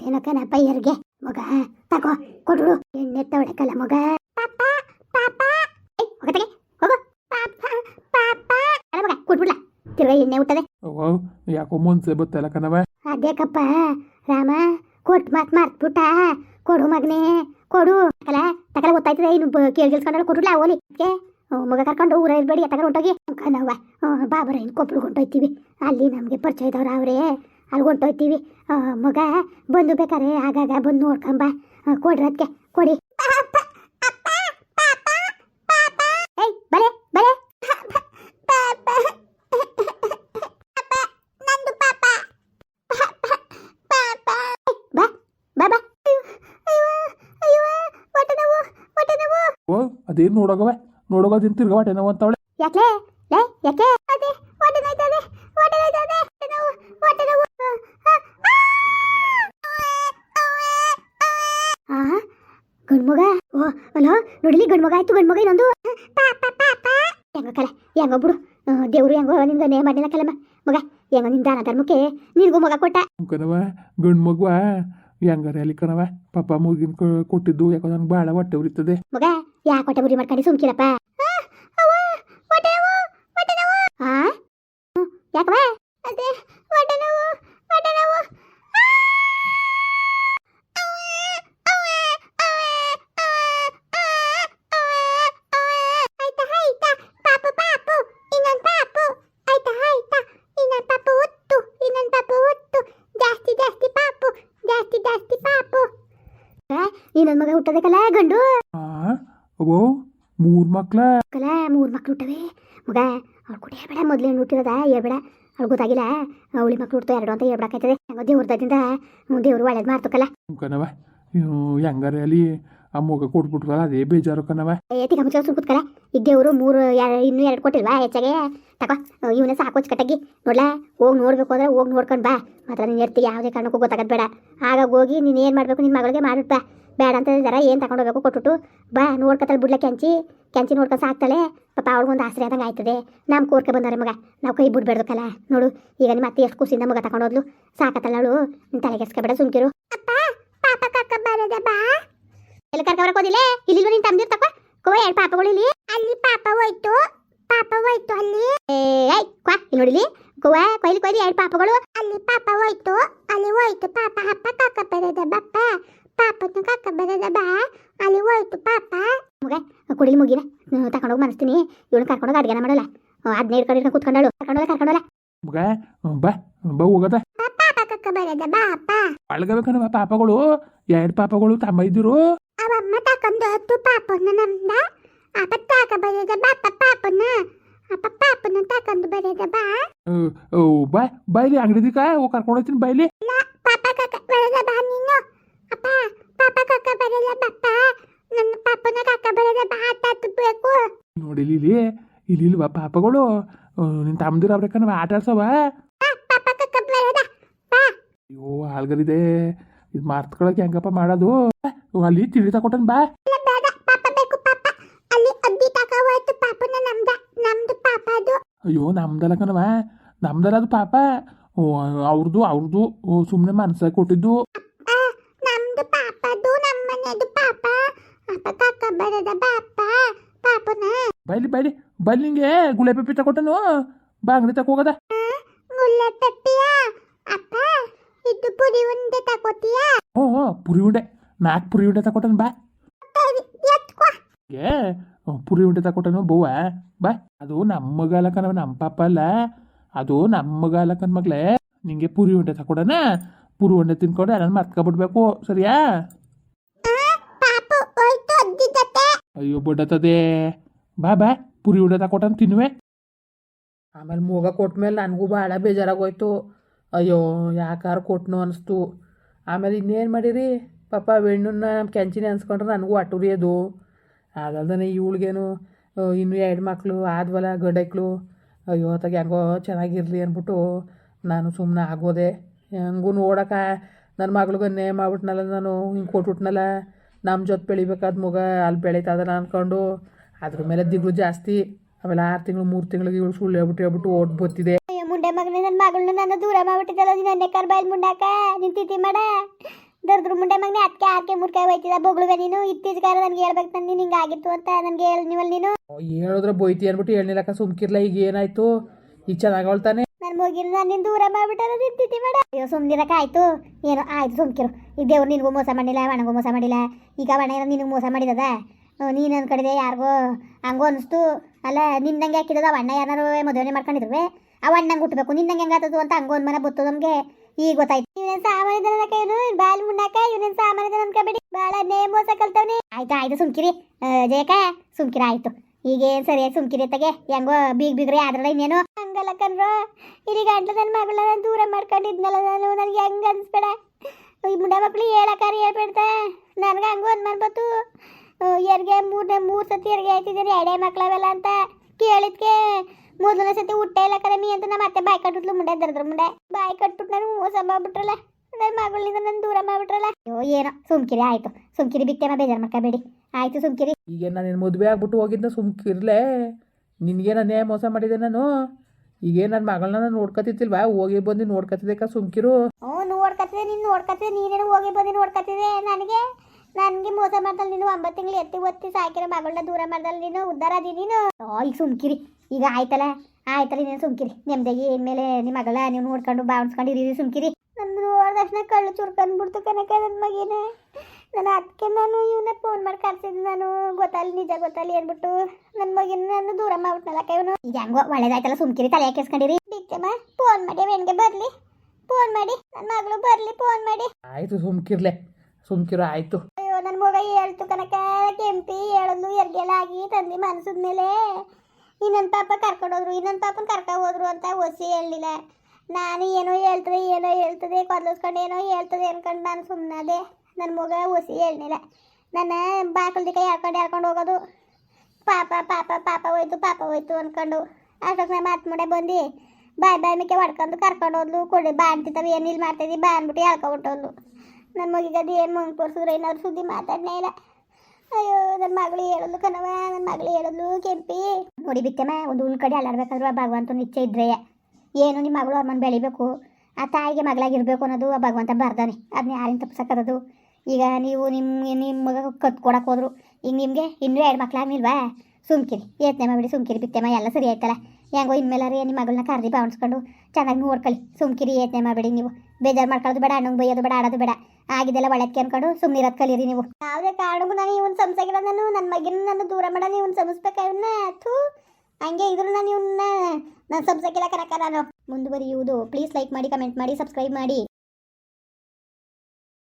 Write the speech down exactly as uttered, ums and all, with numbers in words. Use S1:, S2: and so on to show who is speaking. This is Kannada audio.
S1: ಏನೋ ಕಣ ಪೈಯರ್ಗೆ ಮಗ ತಗೋ ಕೊಡು ಎಣ್ಣೆ ತವಳಕಲ್ಲ ಮಗ ಪಾಪ ಪಾಪ ಹೋಗತ್ತೆ ಹೋಗು ಪಾಪ ಪಾಪ ಅಲ್ಲ ಮಗ ಕೊಟ್ಬಿಡ್ಲ ತಿರ್ಗಾ ಎಣ್ಣೆ ಹುಟ್ಟದೆ
S2: ಯಾಕೋ ಮುಂಚೆ ಬತ್ತಲ್ಲ ಕಣವ
S1: ಅದೇಕಪ್ಪ ರಾಮ ಕೊಟ್ಟು ಮಾತು ಮಾರ್ತ್ಬಿಟ್ಟ ಕೊಡು ಮಗನೇ ಕೊಡು ತಕಲ ತಕಲ ಗೊತ್ತಾಯ್ತದೆ ಇನ್ನು ಕೇಳಿ ಗಿಲ್ಸ್ಕೊಂಡ್ರೆ ಕೊಟ್ಬಿಡ್ಲ ಓಲಿ ಮಗ ಕರ್ಕೊಂಡು ಊರ ಇರ್ಬೇಡಿ ತಗೊಂಡು ಹೊಂಟೋಗಿ ಕಣವ್ವ ಬಾಬರ ಇನ್ನು ಕೊಪ್ಪಳು ಹೊಂಟೋಯ್ತೀವಿ ಅಲ್ಲಿ ನಮಗೆ ಪರಿಚಯ ಇದ್ದವ್ರು ಅವರೇ ಅಲ್ಲಿ ಹೊಂಟೋಯ್ತೀವಿ ಮಗ ಬಂದು ಬೇಕಾರೆ ಆಗಾಗ ಬಂದು ನೋಡ್ಕೊಂಬ ಕೊಡ್ರಿ ಅದಕ್ಕೆ ಕೊಡಿ ಏಯ್ ಬಲೆ ಬಲೆ
S2: ಓ ಅದೇನು ನೋಡೋಗವ ನೋಡೋಗೋದಿನ್ ತಿರ್ಗ ಹೊಟ್ಟೆ ನೋವು ಅಂತವಳೆ
S1: ಯಾಕೆ ಲೇ ಯಾಕೆ ಅದೇ ಹೊಟ್ಟೆ ನೋಯ್ತದೆ ಹೊಟ್ಟೆ ನೋಯ್ತದೆ ಹೊಟ್ಟೆ ನೋವು ಹೊಟ್ಟೆ ನೋವು ಆ ಗಂಡ್ಮಗ ಓ ಅಲೋ ನೋಡಿಲಿ ಗಂಡ್ಮಗ ಆಯ್ತು ಗಂಡ್ಮಗ ಇನ್ನೊಂದು ಪಾಪ ಪಾಪ ಹೆಂಗೋ ಕಲ ಹೆಂಗೋ ಬಿಡು ದೇವ್ರು ಹೆಂಗೋ ನಿನ್ಗೆ ನೇ ಮಾಡಿಲ್ಲ ಕಲಮ್ಮ ಮಗ ಹೆಂಗೋ ನಿನ್ ದಾನ ಧರ್ಮಕ್ಕೆ ನಿನ್ಗೂ ಮಗ ಕೊಟ್ಟ
S2: ಕಣವ ಗಂಡು ಮಗುವ ಹೆಂಗಾರೆ ಅಲ್ಲಿ ಕಣವ ಪಾಪ ಮೂಗಿನ ಕೊಟ್ಟಿದ್ದು ಯಾಕೋ ನನ್ಗೆ ಭಾಳ ಹೊಟ್ಟೆ ಉರಿತದೆ
S1: ಮಗ ಯಾಕೆ ಹೊಟ್ಟೆ ಉರಿ ಮಾಡ್ಕೊಂಡು ಸುಮ್ಕಿರಪ್ಪ ಯಾಕವ ಅದೇ ಹೊಟ್ಟೆ ನೋವು ಹೊಟ್ಟೆ ನೋವು ಆಯ್ತಾ ಆಯ್ತಾ ಪಾಪು ಪಾಪು ಇನ್ನೊಂದು ಪಾಪು ಆಯ್ತಾ ಆಯ್ತಾ ಇನ್ನೊಂದು ಪಾಪು ಒತ್ತು ಇನ್ನೊಂದು ಪಾಪು ಒತ್ತು ಜಾಸ್ತಿ ಜಾಸ್ತಿ ಪಾಪು ಜಾಸ್ತಿ ಜಾಸ್ತಿ ಪಾಪು ಇನ್ನೊಂದು ಮಗ ಹುಟ್ಟೋದಕ್ಕಲ್ಲ ಗಂಡು
S2: ಓ ಮೂರು ಮಕ್ಳ
S1: ಕಲ ಮೂರು ಮಕ್ಳು ಹುಟ್ಟವೆ ಮಗ ಅವ್ಳು ಕುಡಿಯ ಬೇಡ ಮೊದಲೇ ಹುಟ್ಟಿರೋದ ಹೇಳ್ಬೇಡ ಅವ್ಳು ಗೊತ್ತಾಗಿಲ್ಲ ಅವಳಿ ಮಕ್ಳು ಹುಡ್ತು ಎರಡು ಅಂತ ಹೇಳ್ಬೇಕಾಯ್ತದೆ ಹೆಂಗೋ ದೇವ್ರದಿಂದ ದೇವ್ರು ಒಳ್ಳೇದು ಮಾಡ್ತಕ್ಕಲ್ಲ
S2: ಕಣವ ಹೆಂಗಾರೆ ಅಲ್ಲಿ ಆ ಮಗ ಕೊಟ್ಬಿಟ್ರಲ್ಲ ಅದೇ ಬೇಜಾರು ಕಣವ
S1: ಏತಿ ಕಮಚ ಸುಮ್ ಕೂತ್ಕಲ್ಲ ಈಗ ದೇವ್ರು ಮೂರು ಇನ್ನೂ ಎರಡು ಕೊಟ್ಟಿಲ್ವಾ ಹೆಚ್ಚಾಗೆ ತಗೋ ಇವನೇ ಸಾಕು ಕಟ್ಟಾಗಿ ನೋಡ್ಲಾ ಹೋಗಿ ನೋಡ್ಬೇಕು ಅಂದ್ರೆ ಹೋಗಿ ನೋಡ್ಕೊಂಡು ಬಾ ಮಾತ್ರ ನೀನು ಇರ್ತಿ ಯಾವುದೇ ಕಾರಣಕ್ಕೂ ಗೊತ್ತಾಗದ್ ಬೇಡ ಆಗ ಹೋಗಿ ನೀನು ಏನು ಮಾಡಬೇಕು ನಿನ್ನ ಮಗಳಿಗೆ ಮಾಡಿಬಿಟ್ಟು ಬಾ ಬೇಡ ಅಂತ ಜರ ಏನು ತಗೊಂಡು ಹೋಗ್ಬೇಕು ಕೊಟ್ಬಿಟ್ಟು ಬಾ ನೋಡ್ಕೊತಾಳೆ ಬಿಡ್ಲ ಕೆಂಚಿ ಕೆಂಚಿ ನೋಡ್ಕೊಂಡು ಸಾಕ್ತಾಳೆ ಪಾಪ ಅವ್ಳಿಗೊಂದು ಆಸರೆ ಆದಂಗೆ ಆಯ್ತದೆ ನಮ್ಮ ಕೋರ್ಕೆ ಬಂದವ್ರೆ ಮಗ ನಾವು ಕೈ ಬಿಡ್ಬೇಡ್ದಕ್ಕಲ್ಲ ನೋಡು ಈಗ ನಿಮ್ಮ ಅತ್ತೆ ಎಷ್ಟು ಖುಷಿಯಿಂದ ಮಗ ತಗೊಂಡೋದ್ಲು ಸಾಕತ್ತಲ್ಲ ಅವಳು ನಿನ್ನ ತಲೆಗೆಸ್ಕೊಬೇಡ ಸುಮ್ಕಿರು ಅಪ್ಪ ಪಾಪ ಕಕ್ಕ ಬರದ ಬಾ ಎಲ್ಲಿ ಕರ್ಕೊಬರಕೋದಿಲ್ಲ ಇಲ್ಲಿ ನೀನು ತಂದಿರ್ ತಪ್ಪ ಕೋ ಎರಡು ಪಾಪಗಳು ಇಲ್ಲಿ ಅಲ್ಲಿ ಪಾಪ ಹೋಯ್ತು ಪಾಪ ಹೋಯ್ತು ಅಲ್ಲಿ ಏಯ್ ಕ್ವಾ ಇಲ್ಲಿ ನೋಡಿಲಿ ಗೋವಾ ಕೊಯ್ಲಿ ಕೊಯ್ಲಿ ಎರಡು ಪಾಪಗಳು ಅಲ್ಲಿ ಪಾಪ ಹೋಯ್ತು ಅಲ್ಲಿ ಹೋಯ್ತು ಪಾಪ ಅಪ್ಪ ಕಕ್ಕ ಬರದ ಬಪ್ಪ ಪಾಪನ ಕಕ್ಕ ಬರದ ಬಾ ಅಲ್ಲಿ ಹೋಯ್ತು ಪಾಪ ಮಗ ಕುಡಿಲಿ ಮುಗಿನ ತಗೊಂಡೋಗಿ ಮನಸ್ತೀನಿ ಇವಳು ಕರ್ಕೊಂಡೋಗಿ ಅಡ್ಗೆನ ಮಾಡಲ್ಲ ಅದನ್ನ ಹಿಡ್ಕೊಂಡು ಕೂತ್ಕೊಂಡಳು ಕರ್ಕೊಂಡೋಗ ಕರ್ಕೊಂಡೋಲ್ಲ
S2: ಮಗ ಬಾ ಬಾ ಹೋಗದ
S1: ಪಾಪ ಕಕ್ಕ ಬರದ ಬಾಪ
S2: ಅಳ್ಗಬೇಕನವ ಪಾಪಗಳು ಎರಡು ಪಾಪಗಳು ತಮ್ಮ ಇದ್ದರು
S1: ಅವಮ್ಮ ತಕೊಂಡು ಹತ್ತು ಪಾಪನ ನಮ್ದ ಅಪ್ಪ ತಾಕ ಬರದ ಬಾಪ ಪಾಪನ ಅಪ್ಪ ಪಾಪನ ತಕೊಂಡು ಬರದ ಬಾ
S2: ಬಾ ಬಾಯ್ಲಿ ಅಂಗಡಿದಿಕ ಹೋಗಿ ಕರ್ಕೊಂಡು ಹೋಗ್ತೀನಿ ಬಾಯ್ಲಿ
S1: ಪಾಪ ಕಕ್ಕ ಬರದ ಬಾ ನೀನು ಅಪ್ಪ ಪಾಪ ಕಕ್ಕ ಬರಲ್ಲ ಬಪ್ಪ ನನ್ನ ಪಾಪನ ಕಕ್ಕ ಬರದ ಬಾ ತತ್ತಬೇಕು
S2: ನೋಡಿಲಿ ಇಲ್ಲಿ ಇಲ್ಲಿ ಇಲ್ವಾ ಪಾಪಗಳು ನಿನ್ನ ತಮ್ಮದಿರ ಅವ್ರೇಕನವ ಆಟ ಆಡ್ಸವ
S1: ಪಾಪ ಕಕ್ಕ ಬರದ ಬಾ
S2: ಅಯ್ಯೋ ಆಲ್ಗರಿದೆ ಇದು ಮಾರ್ತ್ಕೊಳಕ್ಕೆ ಹೆಂಗಪ್ಪ ಮಾಡೋದು ಅಲ್ಲಿ ತಿಳಿ ತಕೊಟ್ಟನ್ ಬಾ
S1: ಬೇಡ ಪಾಪ ಬೇಕು ಪಾಪ ಅಲ್ಲಿ ಅದ್ದಿ ತಕ ಹೋಯ್ತು ಪಾಪನ ನಮ್ದ ನಮ್ದು ಪಾಪ ಅದು
S2: ಅಯ್ಯೋ ನಮ್ದಲ್ಲ ಕಣವ ನಮ್ದಲ್ಲ ಅದು ಪಾಪ ಅವ್ರದ್ದು ಅವ್ರದ್ದು ಸುಮ್ಮನೆ ಮನಸ್ಸಾಗಿ ಕೊಟ್ಟಿದ್ದು
S1: ನಮ್ದು ಪಾಪದು ನಮ್ಮನೆದು ಪಾಪ ಅಪ್ಪ ಕಕ್ಕ ಬರದ ಬಾಪ ಪಾಪನ
S2: ಬೈಲಿ ಬೈಲಿ ಬೈಲಿ ನಿಂಗೆ ಗುಳೆ ಪೆಪ್ಪಿ ತಕೊಟ್ಟನು ಬಾ ಅಂಗಡಿ ತಕ ಹೋಗದ
S1: ಗುಳ್ಳೆ ಪೆಪ್ಪಿಯ ಅಪ್ಪ ಇದು ಪುರಿ ಉಂಡೆ ತಕೋತೀಯಾ
S2: ಹ್ಞೂ ಹ್ಞೂ ಪುರಿ ಉಂಡೆ ನಾಲ್ಕು ಪುರಿ ಉಂಡೆ ತಕೊಟ್ಟನು ಬಾ ಏ ಪುರಿ ಉಂಡೆ ತಕೊಟ್ಟನು ಬವ್ವ ಬಾ ಅದು ನಮ್ಮ ಮಗ ಅಲ್ಲಕನವ ನಮ್ಮ ಪಾಪ ಅಲ್ಲ ಅದು ನಮ್ಮ ಮಗ ಅಲ್ಲಕನ್ ಮಗ್ಲೇ ನಿಂಗೆ ಪುರಿ ಉಂಡೆ ತಕೊಡನ ಪುರಿ ಉಂಡೆ ತಿನ್ಕೊಂಡು ನಾನು ಮರ್ತ್ಕೊಬಿಡ್ಬೇಕು ಸರಿಯಾ ಅಯ್ಯೋ ಬಡ್ಡತದೆ ಬಾ ಬಾ ಪುರಿ ಉಂಡೆ ತಕೊಟ್ಟನು ತಿನ್ನುವೆ
S3: ಆಮೇಲೆ ಮೂಗ ಕೊಟ್ಮೇಲೆ ನನಗೂ ಭಾಳ ಬೇಜಾರಾಗೋಯ್ತು ಅಯ್ಯೋ ಯಾಕಾರು ಕೊಟ್ನು ಅನಿಸ್ತು ಆಮೇಲೆ ಇನ್ನೇನು ಮಾಡಿರಿ ಪಾಪ ಹೆಣ್ಣನ್ನ ನಮ್ಮ ಕೆಂಚಿನ ಅನ್ಸ್ಕೊಂಡ್ರೆ ನನಗೂ ಅಟುರಿಯೋದು ಆಗಲ್ದನೆ ಇವಳಿಗೇನು ಇನ್ನೂ ಎರಡು ಮಕ್ಕಳು ಆದ್ವಲ್ಲ ಗಂಡೈಕ್ಳು ಅಯ್ಯೋ ತಾಗ ಹೆಂಗೋ ಚೆನ್ನಾಗಿರಲಿ ಅಂದ್ಬಿಟ್ಟು ನಾನು ಸುಮ್ಮನೆ ಆಗೋದೆ ಹೆಂಗೂ ನೋಡೋಕೆ ನನ್ನ ಮಗಳಿಗೂ ಅನ್ಯಾಯ ಮಾಡ್ಬಿಟ್ನಲ್ಲ ನಾನು ಹಿಂಗೆ ಕೊಟ್ಬಿಟ್ನಲ್ಲ ನಮ್ಮ ಜೊತೆ ಬೆಳಿಬೇಕಾದ ಮಗ ಅಲ್ಲಿ ಬೆಳೀತದಲ್ಲ ಅಂದ್ಕೊಂಡು ಅದ್ರ ಮೇಲೆ ದಿಗ್ಳು ಜಾಸ್ತಿ ಆಮೇಲೆ ಆರು ತಿಂಗಳು ಮೂರು ತಿಂಗಳಿಗೆ ಇವಳು ಸುಳ್ಳು ಹೇಳ್ಬಿಟ್ಟು ಹೇಳ್ಬಿಟ್ಟು ಓಟ್ ಬತ್ತಿದೆ
S1: ಮುಂಡೆ ಮಗನೇ ನನ್ನ ಮಗಳನ್ನ ನಾನು ದೂರ ಮಾಡ್ಬಿಟ್ಟಿದ್ದಲ್ಲ ನೀನು ಅನ್ನೆ ಕರ್ ಬಾಯ್ದು ಮುಂಡಾಕ ನಿನ್ ತಿಥಿ ಮಾಡ ದರ್ದ್ರ ಮುಂಡೆ ಮಗನೇ ಅದಕ್ಕೆ ಆರ್ಕೆ ಮುರ್ಕಾಯಿ ಹೋಯ್ತಿದ ಬೊಗಳುವೆ ನೀನು ಇತ್ತೀಚೆಗಾರ ನನಗೆ ಹೇಳ್ಬೇಕು ನಾನು ನಿಂಗೆ ಆಗಿತ್ತು ಅಂತ ನನಗೆ ಹೇಳಿ ನೀವಲ್ಲಿ ನೀನು
S3: ಹೇಳಿದ್ರೆ ಬೈತಿ ಅಂದ್ಬಿಟ್ಟು ಹೇಳಿಲ್ಲಕ್ಕ ಸುಮ್ಕಿರ್ಲ ಈಗ ಏನಾಯ್ತು ಈಗ ಚೆನ್ನಾಗಿ ಅವಳ್ತಾನೆ
S1: ನನ್ನ ಮುಗಿನ ನಾನು ನಿನ್ನ ದೂರ ಮಾಡ್ಬಿಟ್ಟಾರ ನಿಂತಿದ್ದಿ ಬೇಡ ಅಯ್ಯೋ ಸುಮ್ಮನಿರಕ್ಕೆ ಆಯ್ತು ಏನೋ ಆಯ್ತು ಸುಮ್ಕಿರು ಈಗ ದೇವ್ರು ನಿನಗೂ ಮೋಸ ಮಾಡಿಲ್ಲ ಒಣಗೂ ಮೋಸ ಮಾಡಿಲ್ಲ ಈಗ ಒಣ ಏನೋ ನಿನಗೆ ಮೋಸ ಮಾಡಿದದ ನೀನು ಅನ್ಕಡಿದೆ ಯಾರಿಗೋ ಹಂಗೋ ಅನಿಸ್ತು ಅಲ್ಲ ನಿನ್ನಂಗೆ ಹಾಕಿದದ ಅಣ್ಣ ಯಾರು ಮದುವೆ ಮಾಡ್ಕೊಂಡಿದ್ರು ಆ ಅಣ್ಣಂಗೆ ಹುಟ್ಟಬೇಕು ನಿನ್ನಂಗೆ ಹೆಂಗಾತದು ಅಂತ ಹಂಗೋ ಒಂದು ಮನೆ ಬತ್ತು ನಮಗೆ ಈಗ ಗೊತ್ತಾಯ್ತು ಇವನೇನು ಸಾಮಾನ್ಯ ಏನು ಬಾಲ್ ಮುನ್ನಾಕ ಇವನೇನು ಸಾಮಾನ್ಯ ಅನ್ಕೋಬೇಡಿ ಭಾಳ ನೇ ಮೋಸ ಕಲ್ತವ್ನಿ ಆಯ್ತು ಆಯ್ತು ಸುಮ್ಕಿರಿ ಜಯಕ ಸುಮ್ಕಿರಿ ಆಯ್ತು ಈಗೇನು ಸರಿಯಾಗಿ ಸುಮ್ಕಿರಿ ತಗೆ ಹೆಂಗೋ ಬೀಗ್ ಬೀಗ್ರಿ ಆದ್ರಲ್ಲ ಇನ್ನೇನು ಹಂಗಲ್ಲ ಕಣ್ರೋ ಇಲ್ಲಿ ಗಂಟ್ಲು ನನ್ನ ಮಗಳನ್ನ ನಾನು ದೂರ ಮಾಡ್ಕೊಂಡಿದ್ನಲ್ಲ ನಾನು ನನಗೆ ಹೆಂಗೆ ಅನ್ಸ್ಬೇಡ ಈ ಮುಂಡ ಮಕ್ಳು ಹೇಳಕ್ಕಾರಿ ಹೇಳ್ಬೇಡ್ತಾ ನನಗೆ ಹಂಗೋ ಅನ್ಮಾಡ್ಬತ್ತು ಎರ್ಗೆ ಮೂರನೇ ಮೂರು ಸತಿ ಎರ್ಗೆ ಆಯ್ತಿದ್ದೀನಿ ಎರಡೇ ಮಕ್ಳವೆಲ್ಲ ಅಂತ ಕೇಳಿದ್ಕೆ ಮೊದಲನೇ ಸತಿ ಹುಟ್ಟೆ ಇಲ್ಲ ಕರಮಿ ಅಂತ ನಮ್ಮ ಅತ್ತೆ ಬಾಯಿ ಕಟ್ಬಿಟ್ಲು ಮುಂಡೆ ದರ್ದ್ರ ಮುಂಡೆ ಬಾಯಿ ಕಟ್ಬಿಟ್ಟು ನಾನು ಮೋಸ ಮಾಡ್ಬಿಟ್ರಲ್ಲ ನನ್ನ ಮಗಳಿಂದ ನಾನು ದೂರ ಮಾಡ್ಬಿಟ್ರಲ್ಲ ಅಯ್ಯೋ ಏನೋ ಸುಮ್ಕಿರಿ ಆಯ್ತು ಸುಮ್ಕಿರಿ ಬಿಟ್ಟೆಮ್ಮ ಬೇಜಾರು ಮಾಡ್ಕೋಬೇಡಿ ಆಯ್ತು ಸುಮ್ಕಿರಿ
S3: ಈಗ ನಾನು ಮದುವೆ ಆಗ್ಬಿಟ್ಟು ಹೋಗಿದ್ದ ಸುಮ್ಕಿರ್ಲೆ ನಿನಗೆ ನಾನು ಮೋಸ ಮಾಡಿದೆ ನಾನು ಈಗೇ ನನ್ನ ಮಗಳನ್ನ ನಾನು ನೋಡ್ಕೊತಿತ್ತಿಲ್ವಾ ಹೋಗಿ ಬಂದು ನೋಡ್ಕೊತಿದ್ದಕ್ಕ ಸುಮ್ಕಿರು
S1: ಹ್ಞೂ ನೋಡ್ಕೊತಿದ್ದೆ ನೀನು ನೋಡ್ಕೊತಿದ್ದೆ ನೀನೇನು ಹೋಗಿ ಬಂದು ನೋಡ್ಕೊತಿದ್ದೆ ನನಗೆ ನನಗೆ ಮೋಸ ಮಾಡ್ದಲ್ಲ ನೀನು ಒಂಬತ್ತು ತಿಂಗಳು ಎತ್ತಿ ಒತ್ತಿ ಸಾಕಿರೋ ಮಗಳನ್ನ ದೂರ ಮಾಡ್ದಲ್ಲ ನೀನು ಉದ್ಧಾರ ಅದಿ ನೀನು ಓ ಈಗ ಸುಮ್ಕಿರಿ ಈಗ ಆಯ್ತಲ್ಲ ಆಯ್ತಲ್ಲ ನೀನು ಸುಮ್ಕಿರಿ ನೆಮ್ಮದಿಗೆ ಇನ್ಮೇಲೆ ನಿಮ್ಮ ಮಗಳ ನೀವು ನೋಡ್ಕೊಂಡು ಬಾವಿಸ್ಕೊಂಡು ಇರೀರಿ ಸುಮ್ಕಿರಿ ನನ್ನ ನೋಡಿದ ತಕ್ಷಣ ಕಳ್ಳು ಚುರ್ಕೊಂಡ್ಬಿಡ್ತು ಕನಕ ನನ್ನ ಮಗಿನ ನಾನು ಅದಕ್ಕೆ ನಾನು ಇವನ್ನ ಫೋನ್ ಮಾಡಿ ಕರ್ಸಿದ್ದು ನಾನು ಗೊತ್ತಲ್ಲ ನಿಜ ಗೊತ್ತಲ್ಲ ಏನ್ಬಿಟ್ಟು ನನ್ನ ಮಗಿನ ನಾನು ದೂರ ಮಾಡ್ಬಿಟ್ನಲ್ಲಕ್ಕ ಇವನು ಈಗ ಹೆಂಗೋ ಒಳ್ಳೇದಾಯ್ತಲ್ಲ ಸುಮ್ಕಿರಿ ತಲೆ ಹಾಕಿಸ್ಕೊಂಡಿರಿ ಬಿಟ್ಟೆಮ್ಮ ಫೋನ್ ಮಾಡಿ ವೆಣ್ಗೆ ಬರಲಿ ಫೋನ್ ಮಾಡಿ ನನ್ನ ಮಗಳು ಬರಲಿ ಫೋನ್ ಮಾಡಿ
S3: ಆಯಿತು ಸುಮ್ಕಿರ್ಲೆ ಸುಮ್ಕಿರು ಆಯಿತು
S1: ಅಯ್ಯೋ ನನ್ನ ಮಗ ಹೇಳ್ತು ಕನಕ ಕೆಂಪಿ ಹೇಳೋದು ಎರ್ಗೆಲ್ಲ ಆಗಿ ತಂದೆ ಮನಸ್ಸಿದ ಮೇಲೆ ಇನ್ನೊಂದು ಪಾಪ ಕರ್ಕೊಂಡೋದ್ರು ಇನ್ನೊಂದು ಪಾಪನ ಕರ್ಕೊ ಹೋದ್ರು ಅಂತ ಒಸಿ ಹೇಳಲಿಲ್ಲ ನಾನು ಏನೋ ಹೇಳ್ತದೆ ಏನೋ ಹೇಳ್ತದೆ ಕೊದ್ಲಿಸ್ಕೊಂಡು ಏನೋ ಹೇಳ್ತದೆ ಅನ್ಕೊಂಡು ನಾನು ಸುಮ್ಮನದೆ ನನ್ನ ಮಗ ಒಸಿ ಹೇಳಲಿಲ್ಲ ನನ್ನ ಬಾಕಲ್ದಿಕ ಹೇಳ್ಕೊಂಡು ಹೇಳ್ಕೊಂಡು ಹೋಗೋದು ಪಾಪ ಪಾಪ ಪಾಪ ಹೋಯ್ತು ಪಾಪ ಹೋಯ್ತು ಅಂದ್ಕೊಂಡು ಅಷ್ಟೊತ್ತು ನಮ್ಮ ಮಾತು ಮುಡೆ ಬಂದು ಬಾಯ್ ಬಾಯ್ ಮಿಕ್ಕೆ ಹೊಡ್ಕೊಂಡು ಕರ್ಕೊಂಡು ಹೋದ್ಲು ಕೊಡಿ ಬಾ ಅಂತಿತ್ತವೆ ಏನಿಲ್ಲ ಮಾಡ್ತಿದ್ದಿ ಬಾ ಅಂದ್ಬಿಟ್ಟು ಹೇಳ್ಕೊಬಿಟ್ಟೋದ್ಲು ನನ್ನ ಮಗಿಗದು ಏನು ಮುಂಗೆ ತೋರಿಸಿದ್ರು ಏನಾದ್ರು ಸುದ್ದಿ ಮಾತಾಡನೇ ಇಲ್ಲ ಅಯ್ಯೋ ನನ್ನ ಮಗಳು ಹೇಳೋದು ಕಣವ ನನ್ನ ಮಗಳು ಹೇಳೋದು ಕೆಂಪಿ ನೋಡಿ ಬಿತ್ತಮ್ಮ ಒಂದು ಉಳ್ ಕಡೆ ಅಲ್ಲಾಡ್ಬೇಕಾದ್ರೂ ಆ ಭಗವಂತನ ಇಚ್ಛೆ ಇದ್ರೆ ಏನು ನಿಮ್ಮ ಮಗಳು ಅವ್ರ ಮನೆ ಬೆಳಿಬೇಕು ಆ ತಾಯಿಗೆ ಮಗಳಾಗಿರ್ಬೇಕು ಅನ್ನೋದು ಆ ಭಗವಂತ ಬರ್ದಾನೆ ಅದನ್ನ ಯಾರಿಂದ ತಪ್ಪಿಸಕ್ಕದು ಈಗ ನೀವು ನಿಮ್ಮ ನಿಮ್ಮ ಮಗ ಕತ್ಕೊಡಕ್ಕೆ ಹೋದ್ರು ಈಗ ನಿಮಗೆ ಇನ್ನೂ ಎರಡು ಮಕ್ಳಾಗ್ನಿಲ್ವಾ ಸುಮ್ಕಿರಿ ಯತ್ನೆ ಮಾಡಿಬಿಡಿ ಸುಮ್ಕಿರಿ ಬಿತ್ತೆಮ್ಮ ಎಲ್ಲ ಸರಿ ಆಯ್ತಲ್ಲ ಹೆಂಗೋ ಇನ್ಮೇಲಾರಿ ನಿಮ್ಮ ಮಗಳನ್ನ ಕರ್ದಿ ಬಾವಿಸ್ಕೊಂಡು ಚೆನ್ನಾಗಿ ನೋಡ್ಕೊಳ್ಳಿ ಸುಮ್ಕಿರಿ ಯತ್ನೆ ಮಾಡಬೇಡಿ ನೀವು ಬೇಜಾರು ಮಾಡ್ಕೊಳ್ಳೋದು ಬೇಡ ಅಣ್ಣಂಗೆ ಬೈಯೋದು ಬೇಡ ಆಡೋದು ಬೇಡ ಆಗಿದೆಲ್ಲ ಒಳಕ್ಕೆ ಅನ್ಕೊಂಡು ಸುಮ್ಮನೆ ಇರೋದು ಕಲೀರಿ ನೀವು ಯಾವುದೇ ಕಾರಣಕ್ಕೂ ನಾನು ಇವನ್ ಸಂಸಾಗಿಲ್ಲ ನಾನು ನನ್ನ ಮಗಿನ ನಾನು ದೂರ ಮಾಡೋಣ ಇವನ್ ಸಂಸ್ಬೇಕ ಇವನ್ನ ಥೂ ಹಂಗೆ ಇದ್ರು ನಾನು ಇವನ್ನ ನಾನು ಸಂಸಾಗಿಲ್ಲ ಕನಕ ನಾನು ಮುಂದುವರಿಯುವುದು ಪ್ಲೀಸ್ ಲೈಕ್ ಮಾಡಿ ಕಮೆಂಟ್ ಮಾಡಿ ಸಬ್ಸ್ಕ್ರೈಬ್ ಮಾಡಿ.